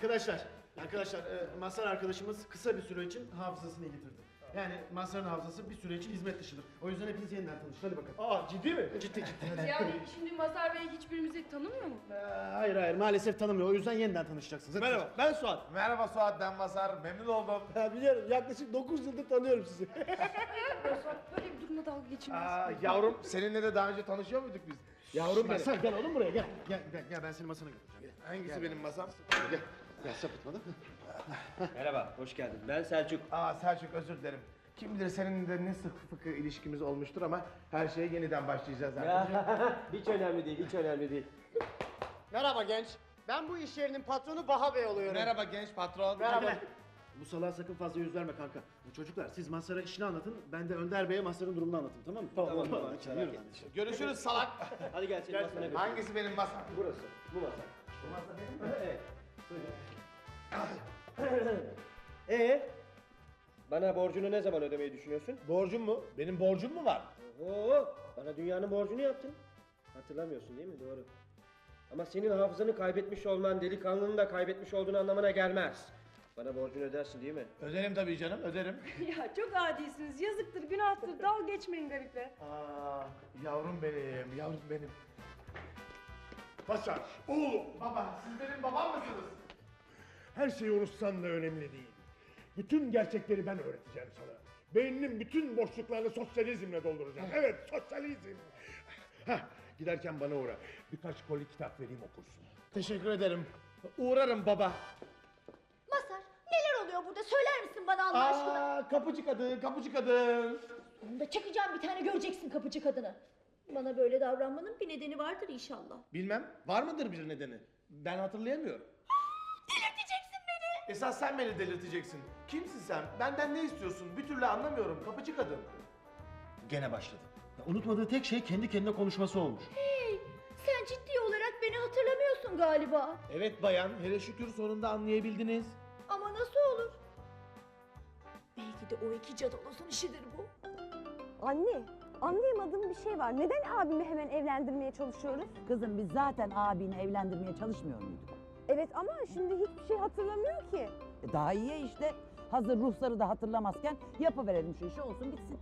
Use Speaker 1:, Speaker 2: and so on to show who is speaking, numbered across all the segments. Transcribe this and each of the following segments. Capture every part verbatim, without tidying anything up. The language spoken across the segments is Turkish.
Speaker 1: Arkadaşlar, arkadaşlar e, Mazhar arkadaşımız kısa bir süre için hafızasını yitirdi. Yani Mazhar'ın hafızası bir süre için hizmet dışıdır. O yüzden hepiniz yeniden tanışın. Hadi bakalım.
Speaker 2: Aa, ciddi mi?
Speaker 1: Ciddi ciddi. Hadi.
Speaker 3: Yani şimdi Mazhar Bey hiçbirimizi tanımıyor mu?
Speaker 1: Ee, hayır hayır maalesef tanımıyor. O yüzden yeniden tanışacaksınız. Hadi.
Speaker 2: Merhaba, ben Suat.
Speaker 4: Merhaba Suat, ben Mazhar. Memnun oldum.
Speaker 2: Ha, biliyorum, yaklaşık dokuz yıldır tanıyorum sizi.
Speaker 3: Böyle bir durumda dalga geçilmez.
Speaker 4: Aa, yavrum, seninle de daha önce tanışıyor muyduk biz? Yavrum benim.
Speaker 1: Mazhar gel oğlum buraya gel. Gel gel, gel ben seni masana götüreceğim.
Speaker 4: Hangisi benim masam?
Speaker 1: Gel. Gel sapıtma da.
Speaker 2: Merhaba, hoş geldin. Ben Selçuk.
Speaker 4: Aa Selçuk, özür dilerim. Kim bilir seninle de ne sık fıkı ilişkimiz olmuştur ama her şeye yeniden başlayacağız zaten.
Speaker 2: Hiç önemli değil, hiç önemli değil.
Speaker 5: Merhaba genç. Ben bu iş yerinin patronu Baha Bey oluyorum.
Speaker 4: Merhaba genç patron.
Speaker 5: Merhaba.
Speaker 1: Bu salağa sakın fazla yüz verme kanka. Bu çocuklar siz Mazhar'a işini anlatın. Ben de Önder Bey'e Mazhar'ın durumunu anlatayım tamam mı?
Speaker 2: Tamam, tamam,
Speaker 1: Hadi,
Speaker 2: merak
Speaker 1: yürü
Speaker 2: etme.
Speaker 1: lan.
Speaker 4: Görüşürüz salak.
Speaker 2: Hadi gel seni masana götür.
Speaker 4: Hangisi benim masam?
Speaker 2: Burası, bu masa.
Speaker 4: Bu masa benim mi?
Speaker 2: Evet. Ee, bana borcunu ne zaman ödemeyi düşünüyorsun?
Speaker 4: Borcum mu? Benim borcum mu var?
Speaker 2: Oo, bana dünyanın borcunu yaptın. Hatırlamıyorsun değil mi? Doğru. Ama senin hafızanı kaybetmiş olman delikanlının da kaybetmiş olduğunu anlamına gelmez. Bana borcunu ödersin değil mi?
Speaker 4: Öderim tabii canım, öderim.
Speaker 3: Ya çok adisiniz. Yazıktır, günahtır. Dalga geçmeyin gariple.
Speaker 4: Aa, yavrum benim, yavrum benim.
Speaker 6: Mazhar, oğlum,
Speaker 4: Baba, siz benim babam mısınız?
Speaker 6: her şeyi unutsan da önemli değil. Bütün gerçekleri ben öğreteceğim sana. Beyninin bütün boşluklarını sosyalizmle dolduracağım. Evet, sosyalizm. Hah, giderken bana uğra. Birkaç koli kitap vereyim okursun.
Speaker 4: Teşekkür ederim. Uğrarım baba.
Speaker 7: Mazhar, neler oluyor burada? Söyler misin bana Allah aşkına?
Speaker 4: Aa, kapıcı kadın, kapıcı kadın.
Speaker 7: Sonunda çakacağım bir tane, göreceksin kapıcı kadını. Bana böyle davranmanın bir nedeni vardır inşallah.
Speaker 4: Bilmem, var mıdır bir nedeni? Ben hatırlayamıyorum.
Speaker 7: Delirteceksin beni.
Speaker 4: Esas sen beni delirteceksin. Kimsin sen? Benden ne istiyorsun? Bir türlü anlamıyorum. Kapıcı kadın.
Speaker 1: Gene başladı. Ya, unutmadığı tek şey kendi kendine konuşması olmuş.
Speaker 7: Hey, sen ciddi olarak beni hatırlamıyorsun galiba.
Speaker 4: Evet bayan, hele şükür sonunda anlayabildiniz.
Speaker 7: Ama nasıl olur? Belki de o iki cadalosun işidir bu.
Speaker 8: Anne, anlayamadığım bir şey var. Neden abimi hemen evlendirmeye çalışıyoruz?
Speaker 9: Kızım biz zaten abini evlendirmeye çalışmıyor muyduk?
Speaker 8: Evet ama şimdi hiçbir şey hatırlamıyor ki.
Speaker 9: E daha iyi ya işte. Hazır ruhları da hatırlamazken yapıverelim şu işi, olsun bitsin.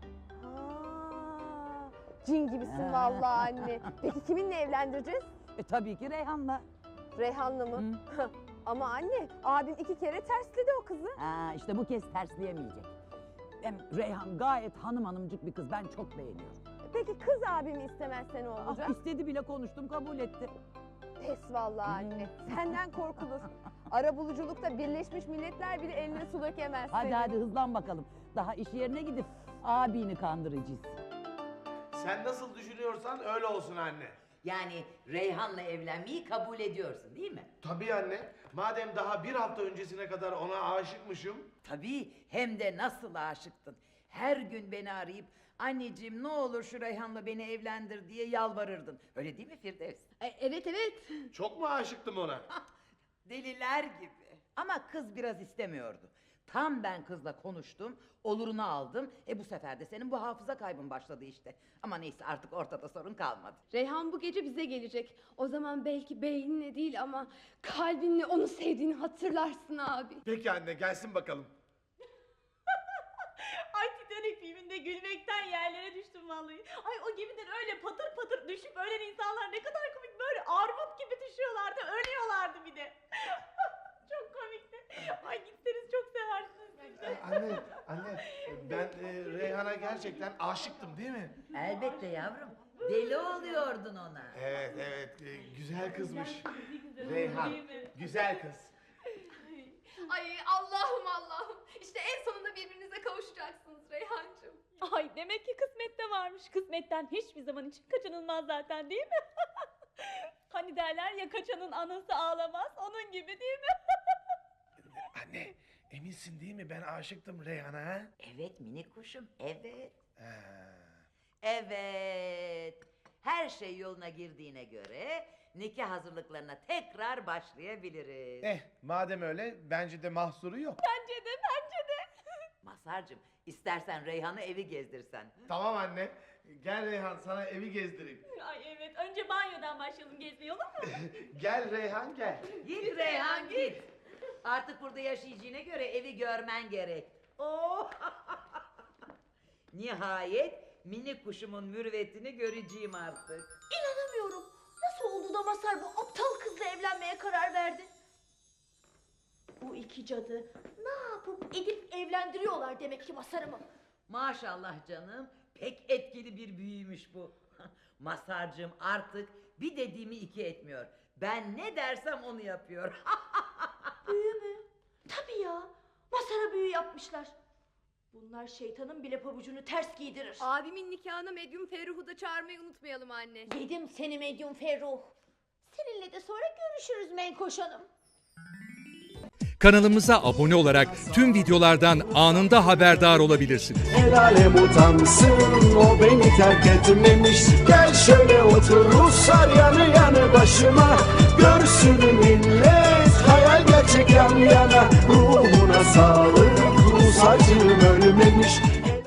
Speaker 8: Ha, cin gibisin
Speaker 9: Ha.
Speaker 8: vallahi anne. Peki kiminle evlendireceğiz?
Speaker 9: E tabii ki Reyhan'la.
Speaker 8: Reyhan'la mı? Ama anne, abim iki kere tersledi o kızı.
Speaker 9: Ha işte bu kez tersleyemeyecek. Hem Reyhan gayet hanım hanımcık bir kız, ben çok beğeniyorum.
Speaker 8: Peki kız abimi istemezse ne olacak?
Speaker 9: Ah, istedi bile, konuştum, kabul etti.
Speaker 8: Pes vallahi anne. Senden korkulur. Arabuluculukta Birleşmiş Milletler bile eline su dökemez
Speaker 9: Hadi
Speaker 8: senin.
Speaker 9: hadi hızlan bakalım. Daha iş yerine gidip abini kandıracağız.
Speaker 4: Sen nasıl düşünüyorsan öyle olsun anne.
Speaker 10: Yani Reyhan'la evlenmeyi kabul ediyorsun değil mi?
Speaker 4: Tabii anne. Madem daha bir hafta öncesine kadar ona aşıkmışım.
Speaker 10: Tabii, hem de nasıl aşıktın. Her gün beni arayıp anneciğim ne olur şu Reyhan'la beni evlendir diye yalvarırdın. Öyle değil mi Firdevs?
Speaker 3: E, evet evet.
Speaker 4: Çok mu aşıktım ona?
Speaker 10: Deliler gibi. Ama kız biraz istemiyordu. Tam ben kızla konuştum, olurunu aldım. E bu sefer de senin bu hafıza kaybın başladı işte. Ama neyse, artık ortada sorun kalmadı.
Speaker 3: Reyhan bu gece bize gelecek. O zaman belki beyninle değil ama kalbinle onu sevdiğini hatırlarsın abi.
Speaker 4: Peki anne, gelsin bakalım.
Speaker 11: Ay, Titanic filminde gülmekten yerlere düştüm vallahi. Ay, o gemiden öyle patır patır düşüp ölen insanlar ne kadar komik, böyle armut gibi düşüyorlardı, ölüyorlardı bir de. Çok komikti. Ay, gitseniz çok seversiniz siz de.
Speaker 4: Ee, anne, anne ben e, Reyhan'a gerçekten aşıktım değil mi?
Speaker 10: Elbette yavrum. Deli oluyordun ona.
Speaker 4: Evet, evet. e, güzel kızmış.
Speaker 11: Güzel
Speaker 4: Reyhan,
Speaker 11: değil mi?
Speaker 4: güzel kız.
Speaker 3: Ay Allah'ım Allah'ım. İşte en sonunda birbirinize kavuşacaksınız Reyhancığım.
Speaker 11: Ay, demek ki kısmette varmış. Kısmetten hiçbir zaman için kaçınılmaz zaten değil mi? Hani derler ya, kaçanın anası ağlamaz, onun gibi değil mi?
Speaker 4: Anne, eminsin değil mi ben aşıktım Reyhan'a? Ha?
Speaker 10: Evet minik kuşum, evet.
Speaker 4: Ha.
Speaker 10: Evet. Her şey yoluna girdiğine göre nikah hazırlıklarına tekrar başlayabiliriz.
Speaker 4: Eh, madem öyle bence de mahsuru yok.
Speaker 11: Bence de, bence de.
Speaker 10: Mazhar'cığım, istersen Reyhan'ı evi gezdirsen.
Speaker 4: Tamam anne. Gel Reyhan, sana evi gezdireyim.
Speaker 11: Ay evet, önce banyodan başlayalım gezmeye, olur mu?
Speaker 4: Gel Reyhan, gel.
Speaker 10: Git Reyhan git. Artık burada yaşayacağına göre evi görmen gerek. Oh! Nihayet minik kuşumun mürüvvetini göreceğim artık.
Speaker 7: İnanamıyorum. Nasıl oldu da Mazhar bu aptal kızla evlenmeye karar verdi? Bu iki cadı ne yapıp edip evlendiriyorlar demek ki Mazhar'ımı.
Speaker 10: Maşallah canım, pek etkili bir büyüymüş bu. Mazhar'cığım artık bir dediğimi iki etmiyor. Ben ne dersem onu yapıyor.
Speaker 7: Büyü mü? Tabii ya. Mazhar'a büyü yapmışlar. Bunlar şeytanın bile pabucunu ters giydirir.
Speaker 3: Abimin nikahına medyum Ferruh'u da çağırmayı unutmayalım anne.
Speaker 7: Yedim seni medyum Ferruh. Seninle de sonra görüşürüz Menkoş Hanım.
Speaker 12: Kanalımıza abone olarak tüm videolardan anında haberdar olabilirsiniz.
Speaker 13: El alem utansın, o beni terk etmemiş. Gel şöyle otur Ruslar yanı yanı başıma. Görsün millet hayal gerçek yan yana. Ruhuna sağlık, Rus acım ölmemiş.